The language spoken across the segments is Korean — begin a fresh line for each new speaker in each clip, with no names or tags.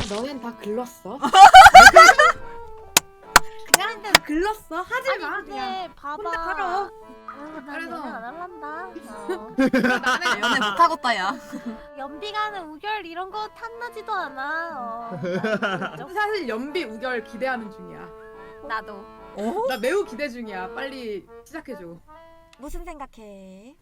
너넨 다 글렀어. 그냥 글렀어. 하지 마.
아니
그냥.
근데 봐봐.
혼자 살아.
난
그래서-
연애 안 할란다.
나는
연애 못하겠다 야.
연비가는 우결 이런 거 탐나지도 않아.
사실 연비 우결 기대하는 중이야.
나도.
어?
나 매우 기대 중이야. 빨리 시작해줘.
무슨 생각해?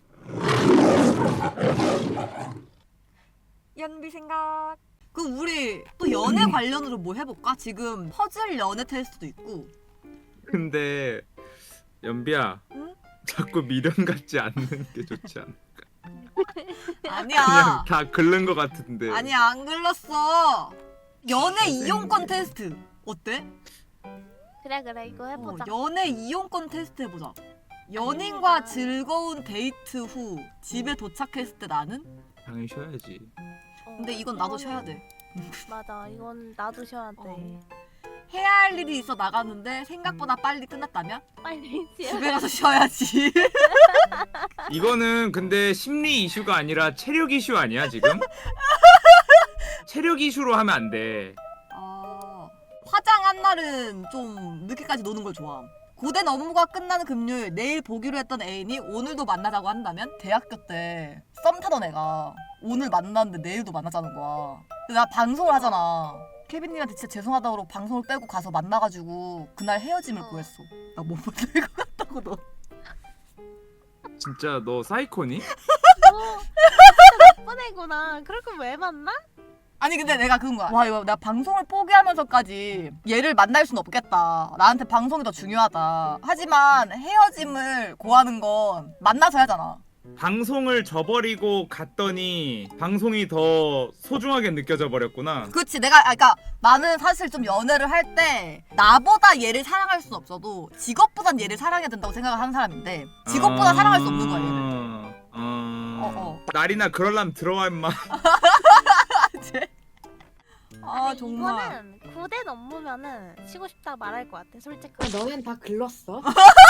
연비 생각. 그럼 우리 또 연애 관련으로 뭐 해볼까? 지금 퍼즐 연애 테스트도 있고.
근데 연비야,
응?
자꾸 미련 갖지 않는 게 좋지 않아?
아니야.
그냥 다 긁는 것 같은데.
아니야 안 글렀어. 연애 이용권 테스트 어때?
그래 이거 해보자.
연애 이용권 테스트 해보자. 연인과 즐거운 데이트 후 집에 도착했을 때 나는?
당연히 쉬어야지.
근데 이건 나도 쉬어야 돼.
맞아. 이건 나도 쉬어야 돼.
해야 할 일이 있어 나가는데 생각보다 빨리 끝났다면?
빨리 쉬어.
집에 가서 쉬어야지.
이거는 근데 심리 이슈가 아니라 체력 이슈 아니야 지금? 체력 이슈로 하면 안 돼.
화장한 날은 좀 늦게까지 노는 걸 좋아함. 고된 업무가 끝나는 금요일 내일 보기로 했던 애인이 오늘도 만나자고 한다면? 대학교 때 썸 타던 애가 오늘 만났는데 내일도 만나자는 거야. 근데 나 방송을 하잖아. 케빈님한테 진짜 죄송하다고 그러고 방송을 빼고 가서 만나가지고 그날 헤어짐을 구했어. 나 못 만날 것 같다고 너.
진짜 너 사이코니?
너 진짜 나쁜 애구나. 그럴 거면 왜 만나?
아니 근데 내가 그런 거야. 와 이거 나 방송을 포기하면서까지 얘를 만날 순 없겠다. 나한테 방송이 더 중요하다. 하지만 헤어짐을 고하는 건 만나서 하잖아.
방송을 저버리고 갔더니 방송이 더 소중하게 느껴져 버렸구나.
그렇지. 내가 그러니까 나는 사실 좀 연애를 할 때 나보다 얘를 사랑할 순 없어도 직업보단 얘를 사랑해야 된다고 생각을 하는 사람인데 직업보다 사랑할 수 없는 거야 얘를.
날이나 그럴라면 들어와 임마.
아
근데
정말.
이거는 고된 업무면은 쉬고 싶다 말할 것 같아. 솔직히.
너넨 다 글렀어.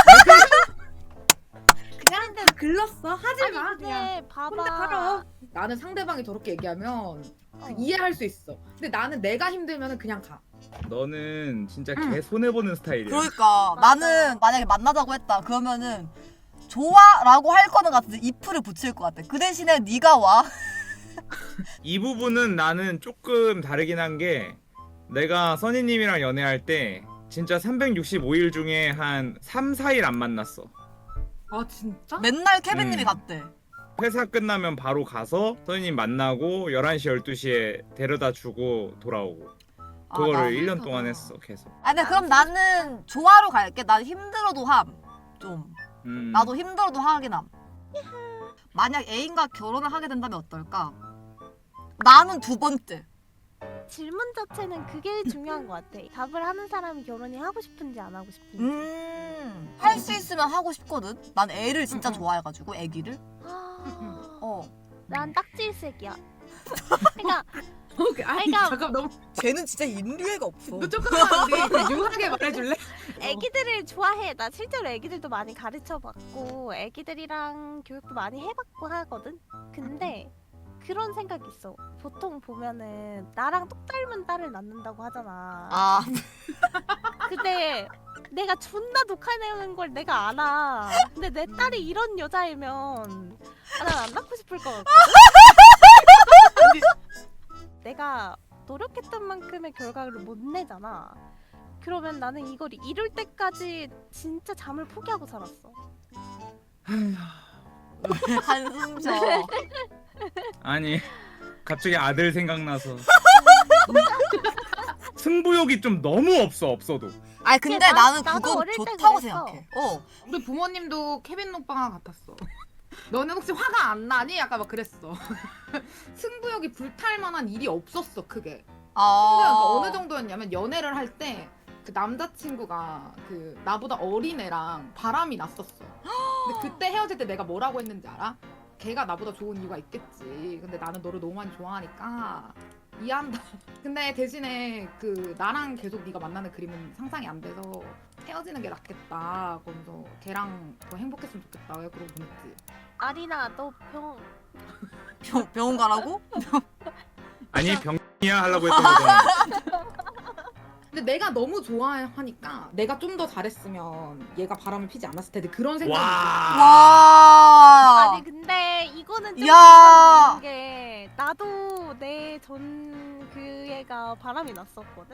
그냥 글렀어. 하지
아니
마. 그냥.
근데 봐봐.
혼자 살아. 나는 상대방이 저렇게 얘기하면 그 이해할 수 있어. 근데 나는 내가 힘들면 그냥 가.
너는 진짜 개 손해 보는 스타일이야.
그러니까 나는 만약에 만나자고 했다 그러면은 좋아라고 할 거는 같은데 if를 붙일 것 같아. 그 대신에 네가 와.
이 부분은 나는 조금 다르긴 한 게 내가 써니님이랑 연애할 때 진짜 365일 중에 한 3, 4일 안 만났어.
아 진짜?
맨날 케빈님이
음.
갔대.
회사 끝나면 바로 가서 써니님 만나고 11시, 12시에 데려다 주고 돌아오고 그거를
나
1년 동안 했어 계속.
아 근데 그럼 나는 좋아로 갈게. 난 힘들어도 함. 좀. 나도 힘들어도 하긴 함. 만약 애인과 결혼을 하게 된다면 어떨까? 나는 두 번째.
질문 자체는 그게 중요한 것 같아. 답을 하는 사람이 결혼이 하고 싶은지 안 하고 싶은지.
할 수 있으면 하고 싶거든. 난 애를 진짜 좋아해가지고 애기를.
난 딱지일색이야. 그러니까
아니
그러니까-
잠깐 너무
쟤는 진짜 인류애가 없어.
너 조금만 우리 유하게 말해줄래?
애기들을 좋아해. 나 실제로 애기들도 많이 가르쳐봤고 애기들이랑 교육도 많이 해봤고 하거든. 근데 그런 생각이 있어. 보통 보면은 나랑 똑 닮은 딸을 낳는다고 하잖아.
아
근데 내가 존나 독하내는 걸 내가 알아. 근데 내 딸이 이런 여자이면 난 안 낳고 싶을 것 같거든. 내가 노력했던 만큼의 결과를 못 내잖아. 그러면 나는 이걸 이룰 때까지 진짜 잠을 포기하고 살았어.
한숨 쉬어.
아니 갑자기 아들 생각나서 승부욕이 좀 너무 없어도.
아니 근데
근데
나는
나도
그건
어릴 때
좋다고
그랬어.
생각해.
우리 부모님도 케빈 오빠가 같았어. 너는 혹시 화가 안 나니? 약간 막 그랬어. 승부욕이 불탈 만한 일이 없었어 크게. 그러니까 어느 정도였냐면 연애를 할 때 그 남자친구가 그 나보다 어린 애랑 바람이 났었어. 근데 그때 헤어질 때 내가 뭐라고 했는지 알아? 걔가 나보다 좋은 이유가 있겠지. 근데 나는 너를 너무 많이 좋아하니까 이해한다. 근데 대신에 그 나랑 계속 네가 만나는 그림은 상상이 안 돼서 헤어지는 게 낫겠다. 그러면서 걔랑 더 행복했으면 좋겠다. 왜 그러고 보냈지?
아리나 너
병원 가라고?
아니 병 이야 하려고 했던 거잖아.
근데 내가 너무 좋아하니까 내가 좀 더 잘했으면 얘가 바람을 피지 않았을 텐데 그런 생각이
와.
와.
아니 근데 이거는 좀
야.
이상한 게 나도 내 전 그 애가 바람이 났었거든.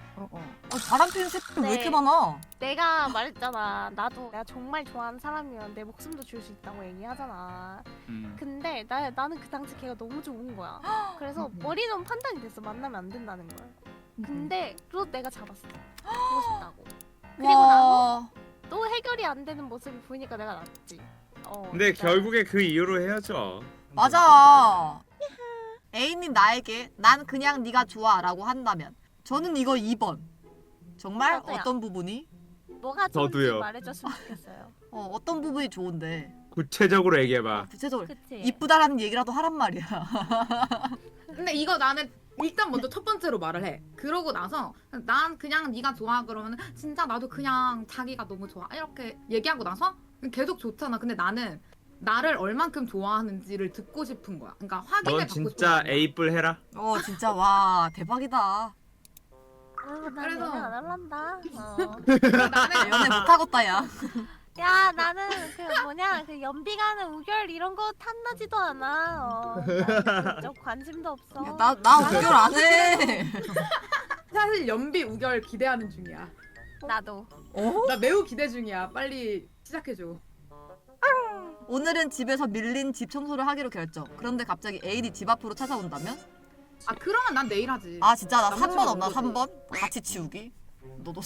바람 피는 새끼 왜 이렇게 많아?
내가 말했잖아. 나도 내가 정말 좋아하는 사람이면 내 목숨도 줄 수 있다고 얘기하잖아. 근데 나는 그 당시 걔가 너무 좋은 거야. 그래서 머리는 판단이 됐어. 만나면 안 된다는 걸. 근데 또 내가 잡았어. 보고 싶다고. 그리고 나서 또 해결이 안 되는 모습이 보이니까 내가 낫지.
근데
진짜.
결국에 그 이유로 헤어져.
맞아. 애인이 나에게 난 그냥 네가 좋아라고 한다면 저는 이거 2번. 정말
저도요.
어떤 부분이?
뭐가 좋은지
저도요.
말해줬으면 좋겠어요.
어떤 부분이 좋은데?
구체적으로 얘기해봐.
구체적으로
그치?
이쁘다라는 얘기라도 하란 말이야.
근데 이거 나는 일단 먼저 첫 번째로 말을 해. 그러고 나서 난 그냥 네가 좋아 그러면 진짜 나도 그냥 자기가 너무 좋아 이렇게 얘기하고 나서 계속 좋잖아. 근데 나는 나를 얼만큼 좋아하는지를 듣고 싶은 거야. 그러니까 확인을
넌
받고 싶은
진짜
거야.
에이뿔 해라.
진짜 와 대박이다.
난
그래서-
연애 안 할란다.
나는
연애 못하겠다 야.
야 나는 그 뭐냐 그 연비 가는 우결 이런 거 탐나지도 않아. 나는 그쪽 관심도 없어.
나 우결 안 해.
사실 연비 우결 기대하는 중이야.
나도.
나 매우 기대 중이야. 빨리 시작해줘.
오늘은 집에서 밀린 집 청소를 하기로 결정. 그런데 갑자기 애인이 집 앞으로 찾아온다면?
아 그러면 난 내일 하지.
아 진짜 나
남자친구
3번 없나?
없는
3번? 같이 치우기? 너도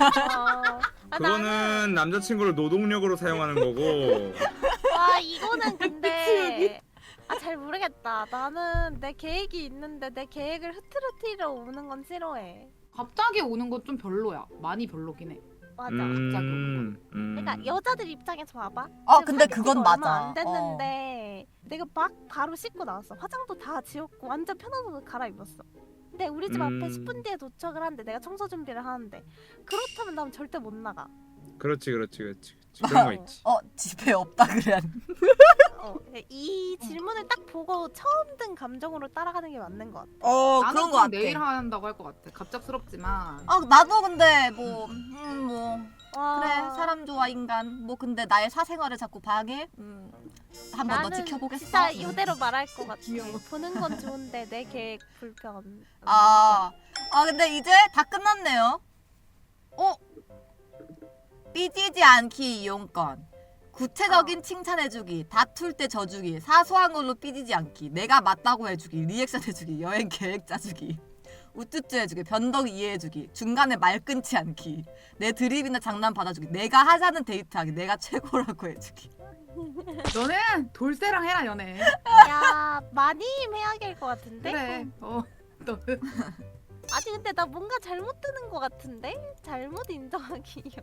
나는
그거는 남자친구를 노동력으로 사용하는 거고.
와 이거는 근데 잘 모르겠다. 나는 내 계획이 있는데 내 계획을 흐트러뜨리러 오는 건 싫어해.
갑자기 오는 건 좀 별로야. 많이 별로긴 해.
맞아. 그러니까 여자들 입장에서 봐봐. 지금
근데
사귄
그건
지가 얼마
맞아.
안 됐는데 내가 막 바로 씻고 나왔어. 화장도 다 지웠고 완전 편한 옷을 갈아입었어. 근데 우리 집 앞에 10분 뒤에 도착을 하는데 내가 청소 준비를 하는데 그렇다면 난 절대 못 나가.
그렇지. 그런 거 있지.
집에 없다 그래.
이 질문을 딱 보고 처음 든 감정으로 따라가는 게 맞는 것 같아.
나는
그런 거
그냥
같아.
내일 한다고 할 것 같아. 갑작스럽지만.
나도 근데 뭐
와.
그래 사람 좋아 인간 뭐 근데 나의 사생활을 자꾸 방해? 한 번 더
나는
지켜보겠어.
진짜 이대로 말할 것 같아.
귀여워.
보는 건 좋은데 내 계획 불편.
근데 이제 다 끝났네요. 삐지지 않기 이용권. 구체적인 칭찬해주기, 다툴 때 져주기, 사소한 걸로 삐지지 않기, 내가 맞다고 해주기, 리액션 해주기, 여행 계획 짜주기, 우쭈쭈 해주기, 변덕 이해해주기, 중간에 말 끊지 않기, 내 드립이나 장난 받아주기, 내가 하자는 데이트하기, 내가 최고라고 해주기.
너는 돌쇠랑 해라 연애.
야 많이 해야 될 것 같은데?
그래. 너는
아니 근데 나 뭔가 잘못 드는 것 같은데? 잘못 인정하기.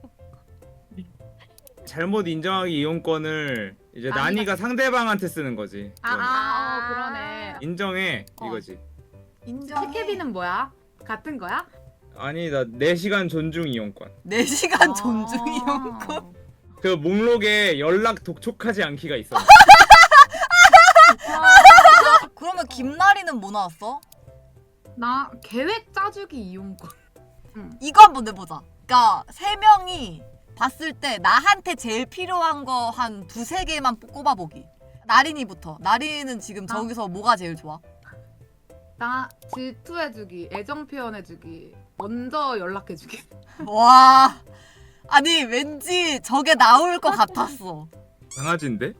잘못 인정하기 이용권을 이제
난이가-
난이가 상대방한테 쓰는 거지.
그러네.
인정해 이거지.
인정.
캐캐비는 뭐야? 같은 거야?
아니 나 4시간 존중 이용권.
4시간 존중 이용권.
그 목록에 연락 독촉하지 않기가 있어.
그러면 김나리는 뭐 나왔어?
나 계획 짜주기 이용권.
이거 한번 내보자. 그러니까 3명이 봤을 때 나한테 제일 필요한 거 한 2-3개만 꼽아보기. 나린이부터. 나린이는 지금 저기서 뭐가 제일 좋아?
나 질투해주기, 애정 표현해주기, 먼저 연락해주기.
와. 아니 왠지 저게 나올 것 같았어.
강아지인데?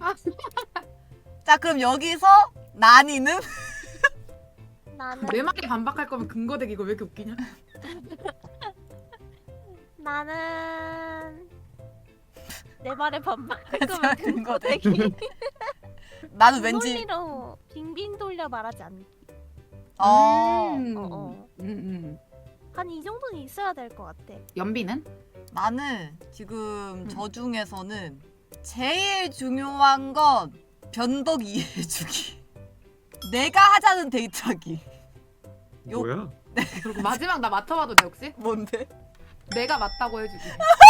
자 그럼 여기서 나니는?
나는
내 말에 반박할 거면 근거대기 이거 왜 이렇게 웃기냐?
나는 내 말에 반박할
진짜
거면
근거대기.
근거대기.
나는 왠지
논리로 빙빙 돌려 말하지 않기. 한 이 정도는 있어야 될 것 같아.
연비는?
나는 지금 저 중에서는 제일 중요한 건 변덕 이해해주기. 내가 하자는 데이트하기.
뭐야?
그리고 마지막 나 맡아봐도 돼 혹시?
뭔데?
내가 맞다고 해주기.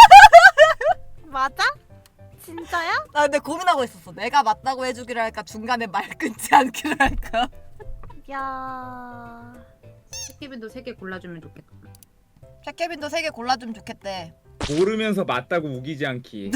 맞아? 진짜야?
나 근데 고민하고 있었어. 내가 맞다고 해주기를 할까 중간에 말 끊지 않기를 할까.
야
케빈도 3개 골라주면 좋겠다.
캣케빈도 3개 골라주면 좋겠대.
고르면서 맞다고 우기지 않기.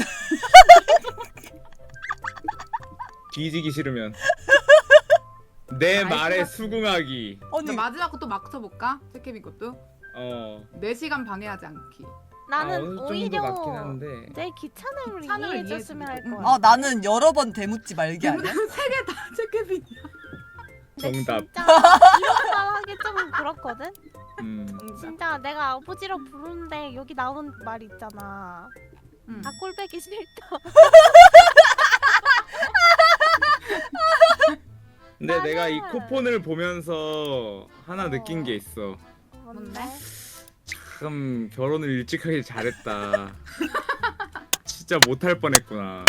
뒤지기 싫으면 내
알
말에
것 같아.
수긍하기.
아니
마지막 것도 막 쳐볼까? 케빈 것도?
어.
4시간 방해하지 않기.
나는
어느 정도
오히려
맞긴 한데.
내 귀찮음을
귀찮음을
이해해줬으면 할
이해해주고.
거야.
나는 여러 번 대묻지 말기 아니야?
3개 다 케빈이야.
근데
정답.
진짜 이런 말 하기 좀 그렇거든? 진짜 내가 아버지라 부르는데 여기 나온 말 있잖아. 다 꼴배기 싫다.
근데
나는-
내가 이 쿠폰을 보면서 하나 느낀 게 있어.
뭔데?
참 결혼을 일찍 하길 잘했다. 진짜 못할 뻔했구나.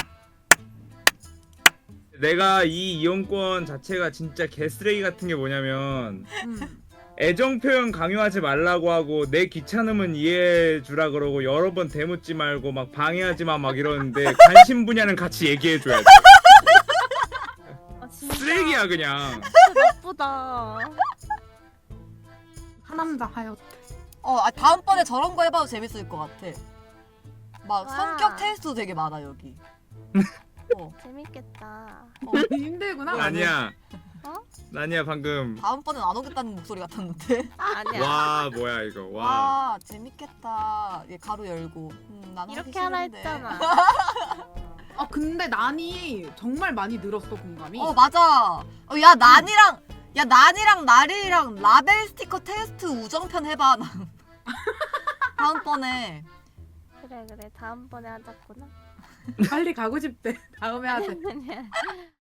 내가 이 이용권 자체가 진짜 개쓰레기 같은 게 뭐냐면 애정 표현 강요하지 말라고 하고 내 귀찮음은 이해해 주라 그러고 여러 번 대묻지 말고 막 방해하지 마 막 이러는데 관심 분야는 같이 얘기해 줘야 돼.
아, 진짜
쓰레기야 그냥.
나쁘다.
하남자 하였.
다음번에 저런 거 해봐도 재밌을 것 같아. 막
와.
성격 테스트도 되게 많아 여기.
재밌겠다.
힘들구나.
아니야.
어?
아니야 방금.
다음번엔 안 오겠다는 목소리 같았는데.
아니야.
와 뭐야 이거. 와.
와 재밌겠다. 얘 가로 열고. 난 하기
이렇게 하라
싫은데.
했잖아.
근데 난이 정말 많이 늘었어 공감이.
맞아. 야 난이랑 나리랑 라벨 스티커 테스트 우정편 해봐. 다음번에.
그래 다음번에 하자꾸나.
빨리 가고 싶대. 다음에 하자.